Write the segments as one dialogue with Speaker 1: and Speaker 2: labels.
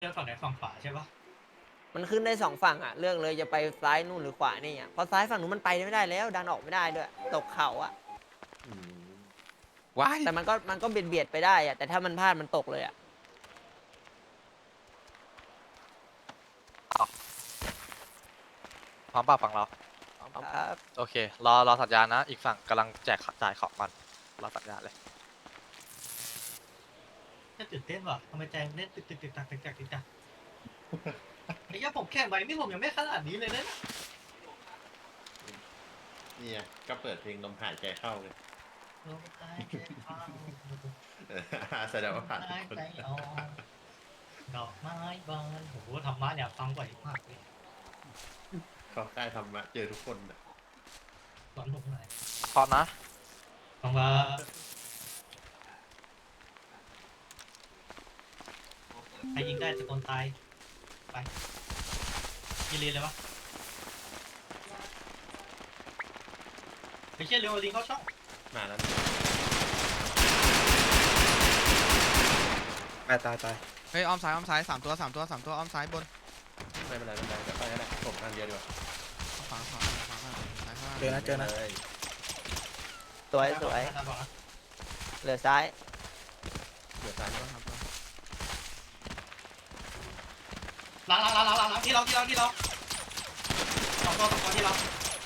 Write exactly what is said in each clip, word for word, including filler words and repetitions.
Speaker 1: เลือกฝั่งไหนฝั่งขวาใช่ปะ
Speaker 2: มันขึ้นได้สองฝั่งอ่ะเลือกเลยจะไปซ้ายนู่นหรือขวานี่อ่ะเพราะซ้ายฝั่งนู้นมันไปไม่ได้แล้วดันออกไม่ได้ด้วยตกเขาอ่ะ
Speaker 3: อืม
Speaker 4: ว้าย
Speaker 2: แต่มันก็มันก็เบียดเบียดไปได้อ่ะแต่ถ้ามันพลาดมันตกเลยอ่ะ
Speaker 4: พร้อมป่ะฝั่งเรา
Speaker 2: ครับ
Speaker 4: โอเค รอรอสัญญาณนะ อีกฝั่งกำลังแจกจ่ายของมันรอสัญญาณเลย
Speaker 1: น่าตื่นเต้นว่ะทำไมใจมันเล่นตึกตึกตึกตักตึกตักตึกตักไอ้เหี้ยผมแข่งไปนี่ผมยังไม่ขนาดนี้เลยนะ
Speaker 3: เนี่ยก็เปิดเพลงลมหายใจเข้าเลย
Speaker 1: ลมหายใจเข้า
Speaker 3: เออแสดงว่าผ่าน
Speaker 1: ลมหาย
Speaker 3: คน
Speaker 1: ใจออกดอกไม้บานโอ้โหธรรมะเนี่ยฟังบ่อยมากเลย
Speaker 3: เขาใกล้ธรรมะเจอทุกคนนะ
Speaker 1: สอนผมหน่อย
Speaker 4: พร้อมนะ
Speaker 1: ฟังว่าใครยิงได้จะโดนตายไปยิงเรียนเลยวะไปเชี่ยเร็วลิงเข้าช่อง
Speaker 3: มาแล้ว
Speaker 5: ตายตายตาย
Speaker 6: เฮ้ยอ้อมซ้ายอ้อมซ้ายสามตัวสามตัวสามตัวอ้อมซ้ายบน
Speaker 3: ไม่เป็นไรไม่เป็นไรเดี๋ยวไปก็ได้ผมทางเดียวดีกว่า
Speaker 6: ขวาขวาขวาขวาซ้ายขวา
Speaker 5: เจอนะเจอนะ
Speaker 3: เลย
Speaker 2: สวยสวย
Speaker 1: บอกนะ
Speaker 2: เหลือซ้าย
Speaker 3: เดี๋ยวซ้าย
Speaker 6: ตัวครับตัว
Speaker 1: หลังหลังหลังหลังหลังที่เราที่เราที่เราสองตัวสองตัวที่เรา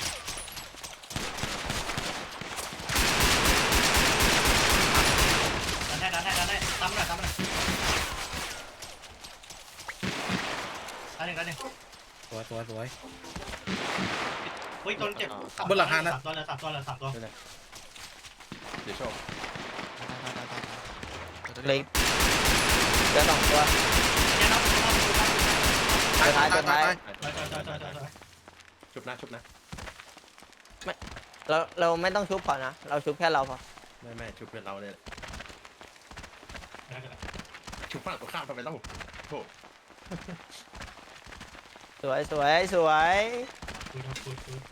Speaker 1: ดันได้ดันได้ดันได้ตามมาหน่อยตามมาหน่อยดันหนึ่งดันหนึ่ง
Speaker 5: สวยสวยสวย
Speaker 1: เฮ้ยจนเจ็บ
Speaker 5: บนหลังคานะ
Speaker 1: สามตัวเลยสามตัวเลยสามตัว
Speaker 3: ไม่เป็นไรเดี๋ยวโชค
Speaker 6: ตายตายตายตายตายตัว
Speaker 2: เหล
Speaker 6: เดี
Speaker 2: ย
Speaker 6: ยว
Speaker 2: เหลือสองตัว
Speaker 1: เนี่ยนะ
Speaker 2: ตัวท้ายตัวท้าย
Speaker 1: จอยจอยจอยจอยจอยจอย
Speaker 3: ชุบนะชุบนะ
Speaker 2: เราเราไม่ต้องชุบพอนะเราชุบแค่เราพอ
Speaker 3: ไม่ไม่ชุบเป็นเราเลยชุบฝั่งตรงข้ามทำไมเล่าโถ
Speaker 2: สวยสวยสวย
Speaker 1: คุยคุยคุย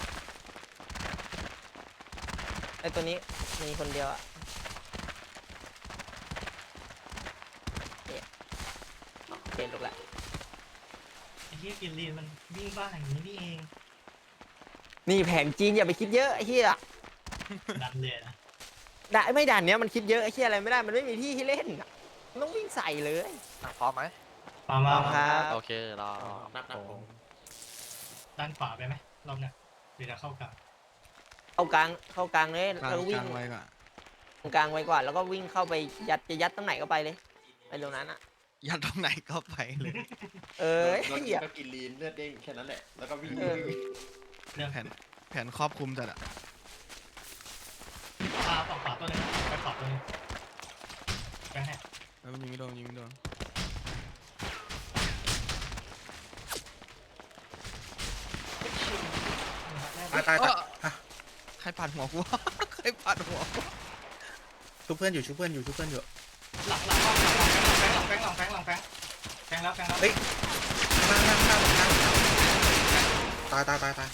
Speaker 2: ไอตัวนี้มีคนเดียวอ่ะเนี่ยเปลี่ยนลูกละ
Speaker 1: ไอ้ที่กินลีนมันวิ่งบ้าอย่างนี้นี่เอง
Speaker 2: นี่แผนจีนอย่าไปคิดเยอะไอ้เหี้ย
Speaker 1: ดันเลยนะ
Speaker 2: ด่าไม่ด่านเนี้ยมันคิดเยอะไอ้เหี้ยอะไรไม่ได้มันไม่มีที่ให้เล่นอะมันต้องวิ่งใส่เลย
Speaker 4: อ่ะพร้อมไหม
Speaker 1: มามา
Speaker 2: ครับ
Speaker 4: โอเค รอ
Speaker 3: นับนับผม
Speaker 1: ด้านขวาไปไหมรอบเนี้ยหรือจะเข้ากลาง
Speaker 2: เข้ากลางเข้ากลางเลย
Speaker 6: กลาง
Speaker 2: แล้ววิ่
Speaker 6: กลาง งไว้ก่อน
Speaker 2: ตรงกลางไว้ก่อนแล้วก็วิ่งเข้าไปยัดจะยัดตรงไหนก็ไปเลยไปตรงนั้นอ่ะ
Speaker 6: ยัดตรงไหนก็ไปเลย
Speaker 2: เออ
Speaker 3: แล้ว
Speaker 2: เหี้ย
Speaker 3: ก็กินลีนเลือดเด้งแค่นั้นแหละแล้วก็วิ่ง
Speaker 2: เออ
Speaker 1: เรื่อง
Speaker 6: แผนแผนครอบคลุมจัดอะ
Speaker 1: ขวาฝั่งขวาตัวหนึงไปขวาตัวหนึงแบงค์แฮก
Speaker 6: แล้วมันยิงไม่โดนยิงไม่โดน
Speaker 5: ตายตายตายอ่ะ
Speaker 6: ใครปัดหัวกู ใครปัดหัวกู
Speaker 5: ชุบเพื่อนอยู่ชุบเพื่อนอยู่ชุบเพื่อนอยู่
Speaker 1: หลังหลังหลังหลังหลังแบงค์หลังแบงค์หลังแบงค์แบงค์แล้วแบงค์แล้ว
Speaker 5: เฮ้ยข้างหน้าข้างหน้าข้างหน้าตายตายตายตาย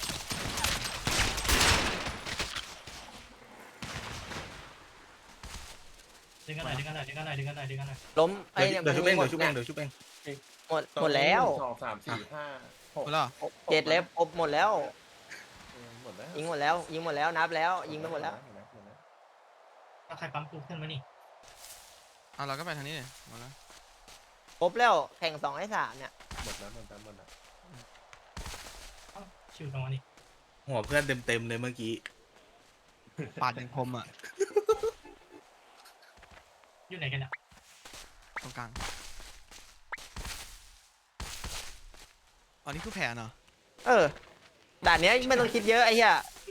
Speaker 1: ดึงกันหน่อยดึงกันหน่อยดึงกันหน่อยดึงกันหน่อยดึงกันหน่อย
Speaker 2: ล้มไอ้
Speaker 5: เดี๋
Speaker 2: เนี่ย
Speaker 5: ยวชุบเอง
Speaker 2: หม
Speaker 5: เดี๋ยวชุบเองเดี๋ยวชุบเอง
Speaker 2: หมดหมดแล้ว
Speaker 3: สองสามสี่ห้าหก
Speaker 6: หมดแล้วเหรอ
Speaker 2: เจ็ดเล็บอบหมดแล้ว
Speaker 3: หมดแล้ว
Speaker 2: ยิงหมดแล้วยิงหมดแล้วนับแล้วยิงไปหมดแล้ว
Speaker 1: ถ้าใครปั๊มปุ๊บขึ้นมานี่
Speaker 6: อ่ะเราก็ไปทางนี้เลยหมดแล้ว
Speaker 2: ครบแล้วแข่งสองไอ้สามเนี่ย
Speaker 3: หมดแล้วหมดแล้วหมดแล้ว
Speaker 1: ชิวตรงนี้
Speaker 5: หัวเพื่อนเต็มเต็มเลยเมื่อกี้
Speaker 6: ปาดอย่างคมอ่ะ
Speaker 1: อยู่ไหนกันเนี่ย
Speaker 6: ตรงกลางอ๋อนี่คือแผนเหรอ
Speaker 2: เออด่านเนี้ยไม่ต้องคิดเยอะไอ้เหี้ย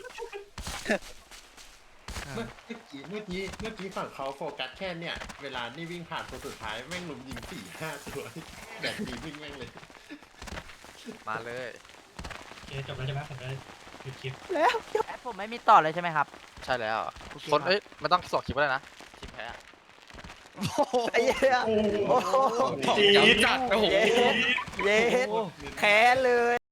Speaker 6: เออ
Speaker 3: เมื่อกี้เมื่อกี้เมื่อกี้ฝั่งเขาโฟกัสแค่เนี่ยเวลานี่วิ่งผ่านตัวสุดท้ายแม่งลุมยิงสี่ห้าตัวแบบนี้วิ่งแม่งเลย
Speaker 4: มาเลย
Speaker 1: โอเคจบแล้วใช่ไหมผมจะหยุดคลิป
Speaker 2: แล้ว
Speaker 7: แอดผมไม่มีต่อเลยใช่ไหมครับ
Speaker 4: ใช่แล้ว
Speaker 7: โอเค
Speaker 4: คน
Speaker 7: ครับ
Speaker 4: เอ้ยไม่ต้องส่งคลิปก็ได้นะ ทีมแพ้
Speaker 6: โอ้โห
Speaker 2: ไอ้เหี้ยโอ้โห
Speaker 4: จีดจัดโอ้โห
Speaker 2: เย็ดเย็ดแค้นเลย